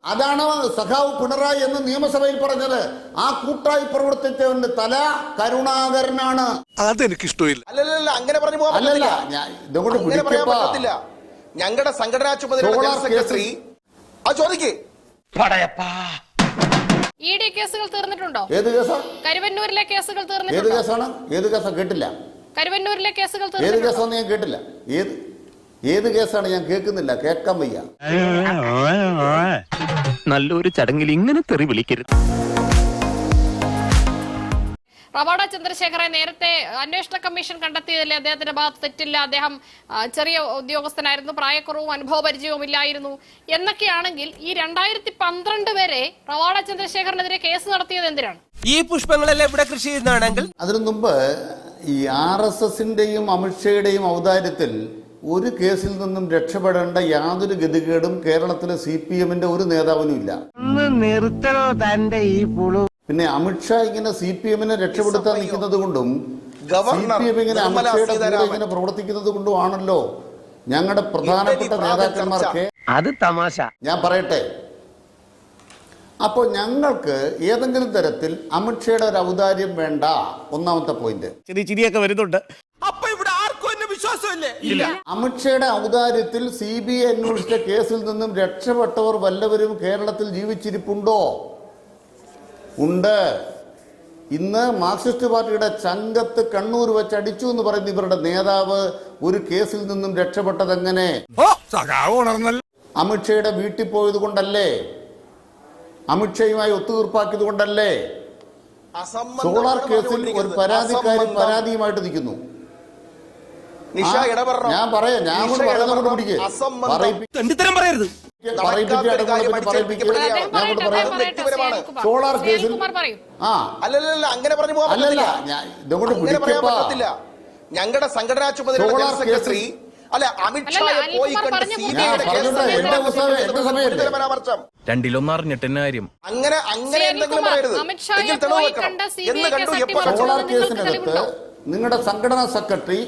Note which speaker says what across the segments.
Speaker 1: അതാണ് സഖാവ് പിണറായി എന്ന് നിയമസഭയിൽ പറഞ്ഞത്. ആ കൂട്ടായി പ്രവർത്തിച്ചവന്റെ തല കരുണാകരനാണ്.
Speaker 2: അതെനിക്കിഷ്ടമില്ല.
Speaker 3: അല്ലല്ല, അങ്ങനെ പറഞ്ഞു പോകാൻ പറ്റില്ല. ഞങ്ങളുടെ സംഘടനാ ചുമതലയുള്ള സെക്രട്ടറി ചോദിക്കേ
Speaker 4: ഇഡി കേസുകൾ തീർന്നിട്ടുണ്ടോ?
Speaker 1: ഏത് കേസാ?
Speaker 4: കരുവന്നൂരിലെ കേസുകൾ തീർന്നിട്ടുണ്ടോ?
Speaker 1: ഏത് കേസാണ്? ഏത് കേസാ? കേട്ടില്ല.
Speaker 4: കരുവന്നൂരിലെ കേസുകൾ
Speaker 1: ഏത് കേസാന്ന് ഞാൻ കേട്ടില്ല. ഏത് കേസാണ്? ഞാൻ കേൾക്കുന്നില്ല, കേൾക്കാൻ വയ്യ.
Speaker 5: നല്ലൊരു ചടങ്ങിൽ ഇങ്ങനെ തെറി വിളിക്കരുത്.
Speaker 4: റവാഡ ചന്ദ്രശേഖരെ നേരത്തെ അന്വേഷണ കമ്മീഷൻ കണ്ടെത്തിയതിൽ അദ്ദേഹത്തിന്റെ ഭാഗത്ത് തെറ്റില്ല, അദ്ദേഹം ചെറിയ ഉദ്യോഗസ്ഥനായിരുന്നു, പ്രായക്കുറവും അനുഭവ പരിചയവും ഇല്ലായിരുന്നു എന്നൊക്കെയാണെങ്കിൽ ഈ 2012 വരെ റവാഡ ചന്ദ്രശേഖരനെതിരെ കേസ് നടത്തിയത് എന്തിനാണ്?
Speaker 6: ഈ പുഷ്പങ്ങളെല്ലാം ഇവിടെ കൃഷി ചെയ്യുന്നതാണെങ്കിൽ
Speaker 1: അതിനു മുമ്പ് ഈ RSSന്റെയും അമിത്ഷയുടെയും ഔദാര്യത്തിൽ ഒരു കേസിൽ നിന്നും രക്ഷപ്പെടേണ്ട യാതൊരു ഗതികേടും കേരളത്തിലെ CPMന്റെ ഒരു നേതാവിനും ഇല്ല. പിന്നെ അമിത്ഷാ ഇങ്ങനെ CPMനെ രക്ഷപ്പെടുത്താൻ നിൽക്കുന്നത് കൊണ്ടും CPM ഇങ്ങനെ അമിത്ഷയുടെ കൂടെ ഇങ്ങനെ പ്രവർത്തിക്കുന്നത് കൊണ്ടുമാണല്ലോ ഞങ്ങളുടെ പ്രധാനപ്പെട്ട നേതാക്കന്മാർക്ക്.
Speaker 5: അത് തമാശ. ഞാൻ
Speaker 1: പറയട്ടെ, അപ്പോൾ ഞങ്ങൾക്ക് ഏതെങ്കിലും തരത്തിൽ അമിത്ഷയുടെ ഒരു ഔദാര്യം വേണ്ട. ഒന്നാമത്തെ പോയിന്റ്.
Speaker 6: ചിരിയൊക്കെ വരുന്നുണ്ട്.
Speaker 1: അമിത്ഷയുടെ ഔദാര്യത്തിൽ CBI അന്വേഷിച്ച കേസിൽ നിന്നും രക്ഷപ്പെട്ടവർ വല്ലവരും കേരളത്തിൽ ജീവിച്ചിരിപ്പുണ്ടോ? ഉണ്ട്. ഇന്ന് മാർക്സിസ്റ്റ് പാർട്ടിയുടെ ചങ്കത്ത് കണ്ണൂർ വെച്ച് അടിച്ചു എന്ന് പറയുന്ന ഇവരുടെ നേതാവ് ഒരു കേസിൽ നിന്നും രക്ഷപ്പെട്ടത് എങ്ങനെ? അമിത്ഷയുടെ വീട്ടിൽ പോയത് കൊണ്ടല്ലേ? അമിത്ഷയുമായി ഒത്തുതീർപ്പാക്കിയത് കൊണ്ടല്ലേ? സോളാർ കേസിൽ ഒരു പരാതിക്കാരി പരാതിയുമായിട്ട് നിൽക്കുന്നു. ഞാൻ പറയാം, ഞാൻ പറയുന്നത് പിടിക്കേ സോളാർ കേസിൽ
Speaker 3: അങ്ങനെ പറഞ്ഞു പോകാൻ പറ്റില്ല. ഞങ്ങളുടെ സംഘടനാ ചുമതലയുള്ള സെക്രട്ടറി
Speaker 5: രണ്ടിലൊന്നറിഞ്ഞിട്ടെന്ന കാര്യം.
Speaker 3: അങ്ങനെ എന്തെങ്കിലും പറയരുത്.
Speaker 1: സോളാർ കേസിനകത്ത് നിങ്ങളുടെ സംഘടനാ സെക്രട്ടറി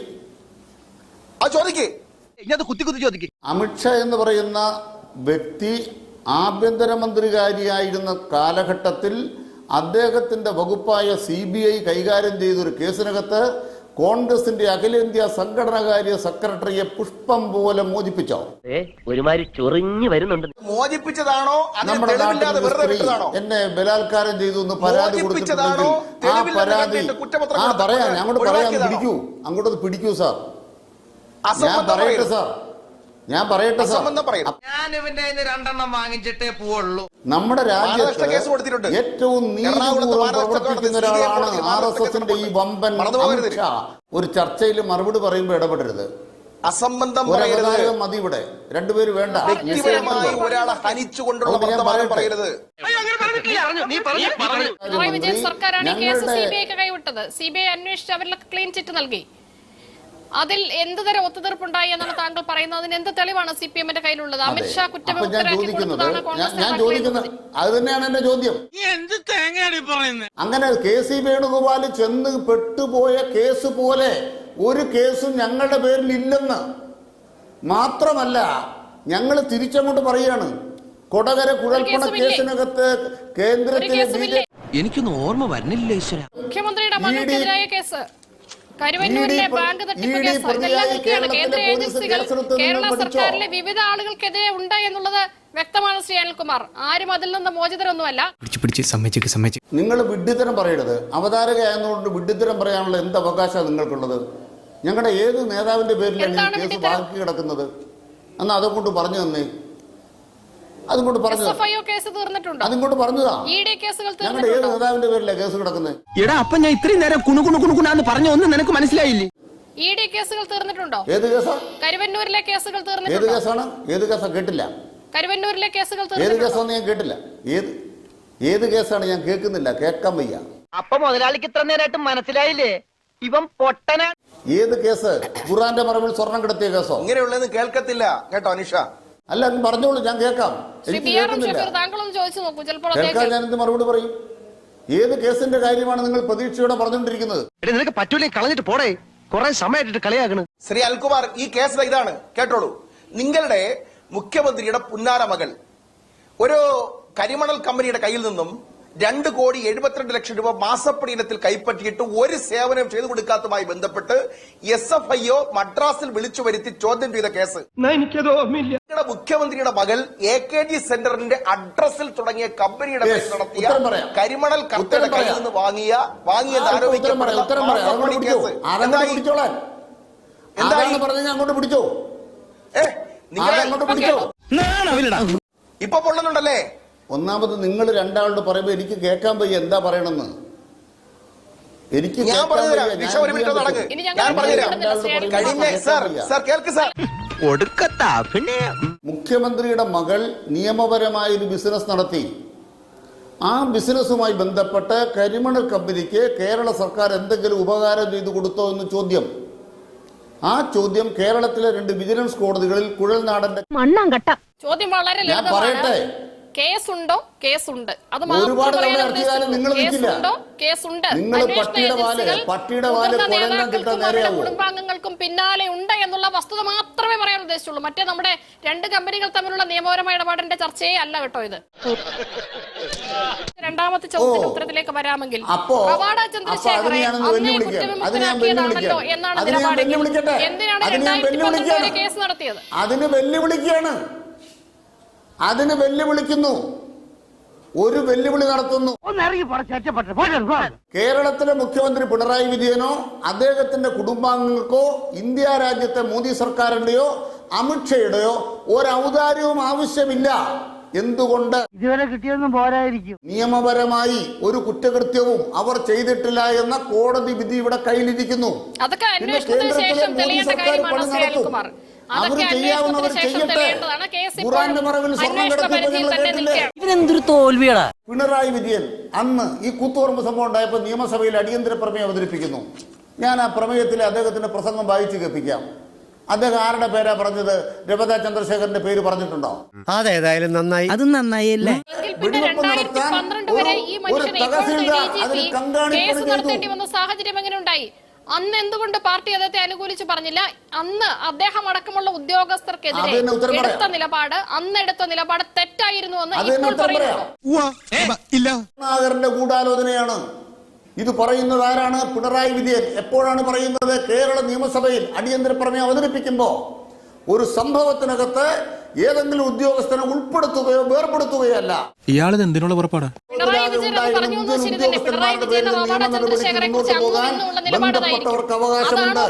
Speaker 1: അമിത്ഷാ എന്ന് പറയുന്ന വ്യക്തി ആഭ്യന്തരമന്ത്രികാരിയായിരുന്ന കാലഘട്ടത്തിൽ അദ്ദേഹത്തിന്റെ വകുപ്പായ CBI കൈകാര്യം ചെയ്തൊരു കേസിനകത്ത് കോൺഗ്രസിന്റെ അഖിലേന്ത്യാ സംഘടനാകാര്യ സെക്രട്ടറിയെ പുഷ്പം പോലെ മോചിപ്പിച്ചോ?
Speaker 5: ഒരുമാതിരി ചൊറിഞ്ഞു വരുന്നുണ്ട്.
Speaker 3: മോചിപ്പിച്ചതാണോ?
Speaker 1: നമ്മുടെ എന്നെ ബലാത്കാരം ചെയ്തു എന്ന് പരാതി കൊടുത്തിട്ടുണ്ടെങ്കിൽ ആ പരാതി പറയാം, അങ്ങോട്ട് പറയാം, പിടിക്കൂ സാർ. ഞാൻ പറയട്ടെ സാർ, നമ്മുടെ രാജ്യത്ത് ഏറ്റവും നീതിപൂർവ്വം പ്രവർത്തിക്കുന്ന ഒരാളാണ് RSSന്റെ ഈ വമ്പൻ അമിത്ഷാ. ഒരു ചർച്ചയിൽ മറുപടി പറയുമ്പോൾ ഇടപെടരുത്.
Speaker 3: അസംബന്ധം
Speaker 1: മതി. ഇവിടെ രണ്ടുപേര് വേണ്ട.
Speaker 4: CBI അന്വേഷിച്ച് അവരിലൊക്കെ ക്ലീൻ ചിറ്റ് നൽകി. അതിൽ എന്ത് തരം ഒത്തുതീർപ്പുണ്ടായി എന്നാണ് താങ്കൾ പറയുന്നത്? അതിന് എന്ത് തെളിവാണ് CPMന്റെ കയ്യിലുള്ളത്? അമിത്ഷാ
Speaker 1: ഞാൻ ചോദിക്കുന്നത് അത് തന്നെയാണ് എന്റെ ചോദ്യം. അങ്ങനെ KC വേണുഗോപാൽ ചെന്ന് പെട്ടുപോയ കേസ് പോലെ ഒരു കേസും ഞങ്ങളുടെ പേരിൽ ഇല്ലെന്ന് മാത്രമല്ല, ഞങ്ങൾ തിരിച്ചങ്ങോട്ട് പറയുകയാണ്. കൊടകര കുഴൽപ്പണ കേസിനകത്ത് കേന്ദ്രത്തിലെ
Speaker 6: എനിക്കൊന്നും ഓർമ്മ വരുന്നില്ല.
Speaker 4: മുഖ്യമന്ത്രിയുടെ മകൾക്കെതിരായ കേസ്, കരുവന്നൂരിലെ ബാങ്ക് തട്ടിപ്പ് കേസ്, ഇതെല്ലാം നോക്കിയാണ് കേന്ദ്ര ഏജൻസികൾ കേരള സർക്കാരിലെ വിവിധ ആളുകൾക്കെതിരെ ഉണ്ട് എന്നുള്ളത് വ്യക്തമാണ്. ശ്രീ അനിൽകുമാർ, ആരും അതിൽ നിന്ന് മോചിതരൊന്നുമല്ല.
Speaker 1: നിങ്ങൾ വിഡ്ഢിത്തരം പറയരുത്. അവതാരകയായതുകൊണ്ട് വിഡ്ഢിത്തരം പറയാനുള്ള എന്ത് അവകാശമാണ് നിങ്ങൾക്കുള്ളത്? ഞങ്ങളുടെ ഏത് നേതാവിന്റെ പേരിലാണ് കേസ് ബാക്കി കിടക്കുന്നത് എന്നാ അതുകൊണ്ട് പറഞ്ഞു തന്നെ. അതുകൊണ്ട് പറഞ്ഞതാ. ഞങ്ങളുടെ ഏത് നേതാവിന്റെ പേരിലാണ് കേസ് കിടക്കുന്നത്?
Speaker 6: അപ്പൊ ഞാൻ ഇത്രയും നേരം കുണുകുണുകുണുകുണാന്ന് പറഞ്ഞ ഒന്നും നിനക്ക് മനസ്സിലായില്ലേ?
Speaker 4: ED കേസുകൾ തീർന്നിട്ടുണ്ടോ?
Speaker 1: ഏത് കേസാ?
Speaker 4: കരുവന്നൂരിലെ കേസുകൾ തീർന്നിട്ടുണ്ടോ?
Speaker 1: ഏത് കേസാണ്? ഏത് കേസാ? കേട്ടില്ല.
Speaker 4: കരുവന്നൂരിലെ കേസുകൾ
Speaker 1: ഏത് കേസാന്ന് ഞാൻ കേട്ടില്ല. ഏത് കേസാണ്? ഞാൻ കേൾക്കുന്നില്ല, കേൾക്കാൻ വയ്യ.
Speaker 5: അപ്പൊ മുതലാളിക്ക് ഇത്ര നേരമായിട്ട് മനസ്സിലായില്ലേ ഇവൻ പൊട്ടന?
Speaker 1: ഏത് കേസ്? ഖുറാന്റെ മറവിൽ സ്വർണം കിടത്തിയ കേസോ?
Speaker 3: ഇങ്ങനെയുള്ളത് കേൾക്കത്തില്ല കേട്ടോ അനിഷ.
Speaker 1: അല്ല, പറഞ്ഞോളൂ, ഞാൻ കേൾക്കാം. എനിക്ക് കേൾക്കാൻ ഞാൻ എന്ത് മറുപടി പറയും? ഏത് കേസിന്റെ കാര്യമാണ് നിങ്ങൾ പ്രതീക്ഷയോടെ പറഞ്ഞുകൊണ്ടിരിക്കുന്നത്?
Speaker 6: നിനക്ക് പറ്റൂലേ, കളഞ്ഞിട്ട് പോടേ. കുറെ സമയമായിട്ട് കളിയാകണ്.
Speaker 3: ശ്രീ അൽകുമാർ, ഈ കേസ് ഇതാണ്, കേട്ടോളൂ. നിങ്ങളുടെ മുഖ്യമന്ത്രിയുടെ പുന്നാര മകൾ ഒരു കരിമണൽ കമ്പനിയുടെ കയ്യിൽ നിന്നും 2,72,00,000 രൂപ മാസപ്പടി ഇനത്തിൽ കൈപ്പറ്റിയിട്ട് ഒരു സേവനം ചെയ്തു കൊടുക്കാത്തതുമായി ബന്ധപ്പെട്ട് SFIO മദ്രാസിൽ വിളിച്ചു വരുത്തി ചോദ്യം ചെയ്ത കേസ്. മുഖ്യമന്ത്രിയുടെ മകൾ AKG സെന്ററിന്റെ അഡ്രസ്സിൽ തുടങ്ങിയ കമ്പനിയുടെ പേരിൽ നടത്തിയ കരിമണൽ കർത്തയുടെ കയ്യിൽ നിന്ന് വാങ്ങിയത് ആരോപിക്കപ്പെടുന്ന കേസ്. ഇപ്പൊ പൊള്ളുന്നുണ്ടല്ലേ?
Speaker 1: ഒന്നാമത് നിങ്ങൾ രണ്ടാളോട് പറയുമ്പോ എനിക്ക് കേൾക്കാൻ വയ്യ എന്താ പറയണെന്ന്. എനിക്ക് മുഖ്യമന്ത്രിയുടെ മകൾ നിയമപരമായ ഒരു ബിസിനസ് നടത്തി. ആ ബിസിനസ്സുമായി ബന്ധപ്പെട്ട് കരിമണൽ കമ്പനിക്ക് കേരള സർക്കാർ എന്തെങ്കിലും ഉപകാരം ചെയ്തു കൊടുത്തോ എന്ന് ചോദ്യം. ആ ചോദ്യം കേരളത്തിലെ 2 വിജിലൻസ് കോടതികളിൽ കുഴൽനാടന്റെ
Speaker 4: ചോദ്യം വളരെ
Speaker 1: ഞാൻ പറയട്ടെ.
Speaker 4: കേസുണ്ടോ? കേസുണ്ട്. അത്
Speaker 1: ഒരുപാട് തവണ ഇറക്കിയാലും നിങ്ങൾ നിൽക്കില്ല.
Speaker 4: കേസുണ്ട്.
Speaker 1: നിങ്ങൾ പട്ടിയുടെ വാല് കുഴലിനാൻ കിട്ടാൻ നേരെയാവോ?
Speaker 4: കുടുംബാംഗങ്ങൾക്കും പിന്നാലെ ഉണ്ട് എന്നുള്ള വസ്തുത മാത്രമേ പറയാൻ ഉദ്ദേശിച്ചുള്ളൂ. മറ്റേ നമ്മുടെ 2 കമ്പനികൾ തമ്മിലുള്ള നിയമപരമായ ഇടപാടിന്റെ ചർച്ചയെ അല്ല കേട്ടോ ഇത്. രണ്ടാമത്തെ ചോദ്യത്തിന്റെ ഉത്തരത്തിലേക്ക് വരാമെങ്കിൽ പ്രവാട ചന്ദ്രശേഖരനെ അന്നേ കുറ്റവിമുക്തനാക്കിയതാണല്ലോ എന്നാണ് നിലപാടെങ്കിൽ എന്തിനാണ് 2019 വരെ കേസ് നടത്തിയത്?
Speaker 1: അതിന് വെല്ലുവിളിക്കുന്നു. ഒരു വെല്ലുവിളി നടത്തുന്നു. കേരളത്തിലെ മുഖ്യമന്ത്രി പിണറായി വിജയനോ അദ്ദേഹത്തിന്റെ കുടുംബാംഗങ്ങൾക്കോ ഇന്ത്യ രാജ്യത്തെ മോദി സർക്കാരിന്റെയോ അമിത്ഷയുടെയോ ഒരു ഔദാര്യവും ആവശ്യമില്ല. എന്തുകൊണ്ട്?
Speaker 5: ഇതുവരെ കിട്ടിയൊന്നും പോരായിരിക്കും.
Speaker 1: നിയമപരമായി ഒരു കുറ്റകൃത്യവും അവർ ചെയ്തിട്ടില്ല എന്ന കോടതി വിധി ഇവിടെ കയ്യിലിരിക്കുന്നു.
Speaker 4: അതൊക്കെ അന്വേഷണത്തിന് ശേഷം തെളിയേണ്ട കാര്യമാണ് ശ്രീ അനിൽകുമാർ. അതൊക്കെ അന്വേഷണത്തിന് ശേഷം തെളിയേണ്ടതാണ്. കേസ് അന്വേഷണ പരിധിയിൽ തന്നെ നിൽക്കുകയാണ്.
Speaker 5: ഇവരെന്തൊരു തോൽവിയാടാ.
Speaker 1: പിണറായി വിജയൻ അന്ന് ഈ കൂത്തുപറമ്പ് സംഭവം ഉണ്ടായപ്പോൾ നിയമസഭയിൽ അടിയന്തര പ്രമേയം അവതരിപ്പിക്കുന്നു. ഞാൻ ആ പ്രമേയത്തിലെ അദ്ദേഹത്തിന്റെ പ്രസംഗം വായിച്ചു കേൾപ്പിക്കാം. അദ്ദേഹം ആരുടെ പേരാ പറഞ്ഞത്? രവത ചന്ദ്രശേഖരന്റെ പേര് പറഞ്ഞിട്ടുണ്ടോ?
Speaker 6: അതേതായാലും നന്നായി. അത് നന്നായില്ലേ?
Speaker 1: വെടിവെപ്പ് നടത്താൻ ഒരു തഹസിൽദാർ അതിന് കങ്കാണിപ്പണി ചെയ്തു.
Speaker 4: സാഹചര്യം എങ്ങനെ ഉണ്ടായി? അന്ന് എന്തുകൊണ്ട് പാർട്ടി അദ്ദേഹത്തെ അനുകൂലിച്ച് പറഞ്ഞില്ല? അന്ന് അദ്ദേഹം അടക്കമുള്ള ഉദ്യോഗസ്ഥർക്കെതിരെ എടുത്ത നിലപാട് തെറ്റായിരുന്നു എന്ന് ഇപ്പോൾ
Speaker 1: പറയുന്നു. ഗൂഢാലോചനയാണ് ഇത് പറയുന്നത്. ആരാണ്? പിണറായി വിജയൻ. എപ്പോഴാണ് പറയുന്നത്? കേരള നിയമസഭയിൽ അടിയന്തര പ്രമേയം അവതരിപ്പിക്കുമ്പോൾ ഒരു സംഭവത്തിനകത്ത് ഏതെങ്കിലും ഉദ്യോഗസ്ഥനെ ഉൾപ്പെടുത്തുകയോ വേർപെടുത്തുകയോ
Speaker 2: ഇയാളത് എന്തിനുള്ള പുറപ്പാടാ?
Speaker 1: ബന്ധപ്പെട്ടവർക്ക് അവകാശമുണ്ട്.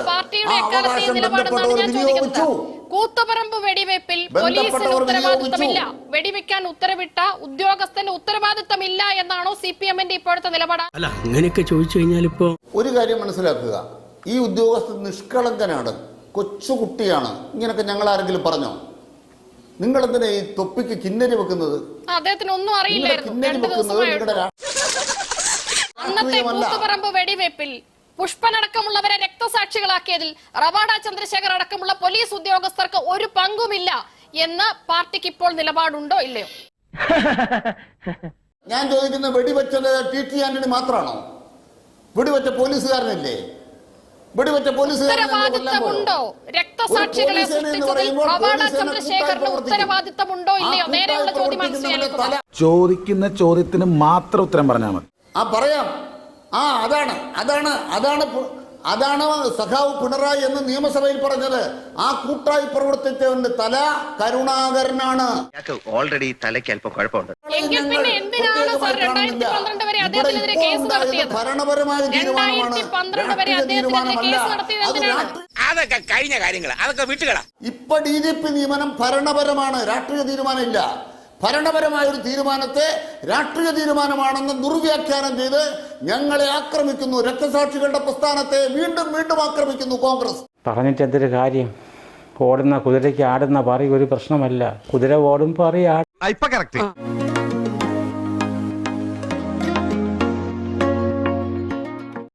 Speaker 4: കൂത്തുപറമ്പ് വെടിവെപ്പിൽ പോലീസിന് ഉത്തരവാദിത്തമില്ല, വെടിവെക്കാൻ ഉത്തരവിട്ട ഉദ്യോഗസ്ഥന് ഉത്തരവാദിത്തമില്ല എന്നാണോ CPM-ന്റെ ഇപ്പോഴത്തെ നിലപാട്?
Speaker 6: അല്ല, അങ്ങനെയൊക്കെ ചോദിച്ചു കഴിഞ്ഞാൽ ഇപ്പോ
Speaker 1: ഒരു കാര്യം മനസ്സിലാക്കുക. ഈ ഉദ്യോഗസ്ഥൻ നിഷ്കളങ്കനാണ്, കൊച്ചുകുട്ടിയാണ്. ഇങ്ങനൊക്കെ ഞങ്ങൾ ആരെങ്കിലും പറഞ്ഞോ? നിങ്ങൾ എന്തിനാ ഈ തൊപ്പിക്ക് കിന്നരി വെക്കുന്നത്?
Speaker 4: അദ്ദേഹത്തിന് ഒന്നും അറിയില്ലായിരുന്നു. അന്നത്തെ കൂത്തുപറമ്പ് വെടിവെപ്പിൽ പുഷ്പനടക്കമുള്ളവരെ രക്തസാക്ഷികളാക്കിയതിൽ റവാഡ ചന്ദ്രശേഖർ അടക്കമുള്ള പോലീസ് ഉദ്യോഗസ്ഥർക്ക് ഒരു പങ്കുമില്ല എന്ന് പാർട്ടിക്ക് ഇപ്പോൾ നിലപാടുണ്ടോ ഇല്ലയോ?
Speaker 1: ഞാൻ ചോദിക്കുന്ന വെടിവെച്ചത് TT ആന്റണി മാത്രമാണോ? വെടിവെച്ച പോലീസുകാരനില്ലേ? വെടിവെച്ച
Speaker 4: ഉത്തരവാദിത്തമുണ്ടോ? രക്തസാക്ഷികളെ സൃഷ്ടിച്ചതിൽ റവാഡ ചന്ദ്രശേഖറിന് ഉത്തരവാദിത്തമുണ്ടോ ഇല്ലയോ? നേരെയുള്ള ചോദ്യമാണ്.
Speaker 7: ചോദിക്കുന്ന ചോദ്യത്തിന് മാത്രം ഉത്തരം പറഞ്ഞാൽ മതി.
Speaker 1: പറയാം. അതാണ് സഖാവ് പിണറായി എന്ന് നിയമസഭയിൽ പറഞ്ഞത്. ആ കൂട്ടായി പ്രവർത്തിച്ചവന്റെ തല കരുണാകരനാണ്.
Speaker 8: ഓൾറെഡി തലയ്ക്ക് അല്പം കുഴപ്പമുണ്ട്.
Speaker 1: ഭരണപരമായ തീരുമാനമാണ്,
Speaker 8: അതൊക്കെ കഴിഞ്ഞ കാര്യങ്ങൾ, അതൊക്കെ വിട്ടുകളാ.
Speaker 1: ഇപ്പൊ DGP നിയമനം ഭരണപരമാണ്, രാഷ്ട്രീയ തീരുമാനമില്ല. ഭരണപരമായ ഒരു തീരുമാനത്തെ രാഷ്ട്രീയ തീരുമാനമാണെന്ന് ദുർവ്യാഖ്യാനം ചെയ്ത് ഞങ്ങളെ ആക്രമിക്കുന്നു. രക്തസാക്ഷികളുടെ പ്രസ്ഥാനത്തെ വീണ്ടും ആക്രമിക്കുന്നു കോൺഗ്രസ്.
Speaker 9: പറഞ്ഞിട്ട് എന്തൊരു കാര്യം? ഓടുന്ന കുതിരയ്ക്ക് ആടുന്ന പറി ഒരു പ്രശ്നമല്ല. കുതിര ഓടും പറി